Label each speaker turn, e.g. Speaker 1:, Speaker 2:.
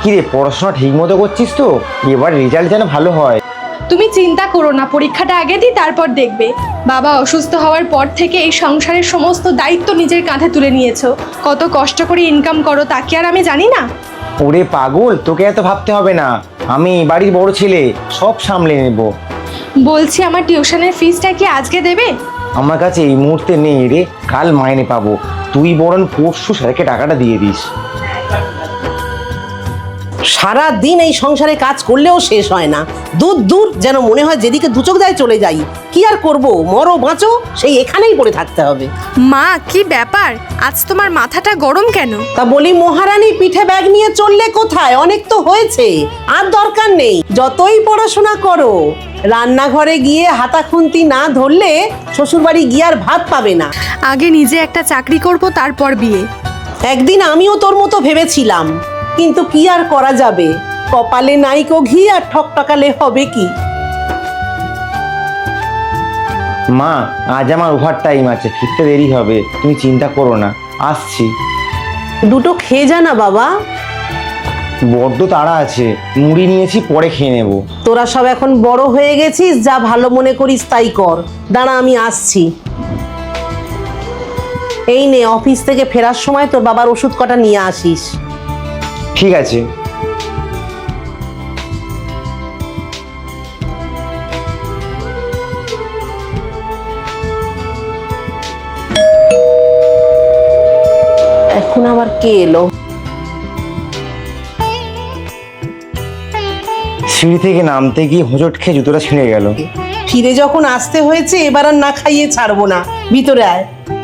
Speaker 1: কিরে, পড়াশোনা ঠিক মতো করছিস তো? এবার রেজাল্ট যেন ভালো হয়।
Speaker 2: তুমি চিন্তা করো না, পরীক্ষাটা আগে দিই, তারপর দেখবে। বাবা অসুস্থ হওয়ার পর থেকে এই সংসারের সমস্ত দায়িত্ব নিজের কাঁধে তুলে নিয়েছো। কত কষ্ট করে ইনকাম করো তা কি আর আমি জানি না?
Speaker 1: ওরে পাগল, তোকে এত ভাবতে হবে না। আমি বাড়ির বড় ছেলে, সব সামলে নেব।
Speaker 2: বলছি, আমার টিউশনের ফিসটা কি আজকে দেবে?
Speaker 1: আমার কাছে এই মুহূর্তে নেই রে, কাল মাইনে পাবো। তুই বরং পরশু স্যারকে টাকাটা দিয়ে দিস।
Speaker 3: সারা দিন এই সংসারে কাজ করলেও শেষ হয় না। দূর দূর যেন মনে হয় যেদিকে দুচোখ যায় চলে যাই। কি আর করব, মরো বাঁচো সেই এখানেই পড়ে থাকতে হবে।
Speaker 2: মা, কি ব্যাপার? আজ তোমার মাথাটা গরম কেন?
Speaker 3: তা বলি, মহারানী পিঠে ব্যাগ নিয়ে চললে কোথায়? অনেক তো হয়েছে, আর দরকার নেই। যতই পড়াশোনা করো, রান্নাঘরে গিয়ে হাতা খুন্তি না ধরলে শ্বশুরবাড়ি গিয়ে আর ভাত পাবে না।
Speaker 2: আগে নিজে একটা চাকরি করব, তারপর বিয়ে।
Speaker 3: একদিন আমিও তোর মতো ভেবেছিলাম, কিন্তু কি আর করা যাবে, কপালে নাইকো ঘি আর ঠকঠকালে হবে কি।
Speaker 1: মা, আজ আমার ওভার টাইম আছে, ফিরতে দেরি হবে। তুমি চিন্তা করো না, আসছি।
Speaker 3: দুটো খেয়ে যা না বাবা।
Speaker 1: বড্ড তাড়া আছে, মুড়ি নিয়েছি, পরে খেয়ে নেব।
Speaker 3: তোরা সব এখন বড় হয়ে গেছিস, যা ভালো মনে করিস তাই কর। দাঁড়া, আমি আসছি। এই নে, অফিস থেকে ফেরার সময় তোর বাবার ওষুধ কটা নিয়ে আসিস।
Speaker 1: ঠিক আছে।
Speaker 3: এখন আবার কে এলো?
Speaker 1: সিঁড়ি থেকে নামতে গিয়ে হোঁচট খেয়ে জুতোটা ছিঁড়ে গেল।
Speaker 3: ফিরে যখন আসতে হয়েছে, এবার আর না খাইয়ে ছাড়বো না। ভিতরে আয়।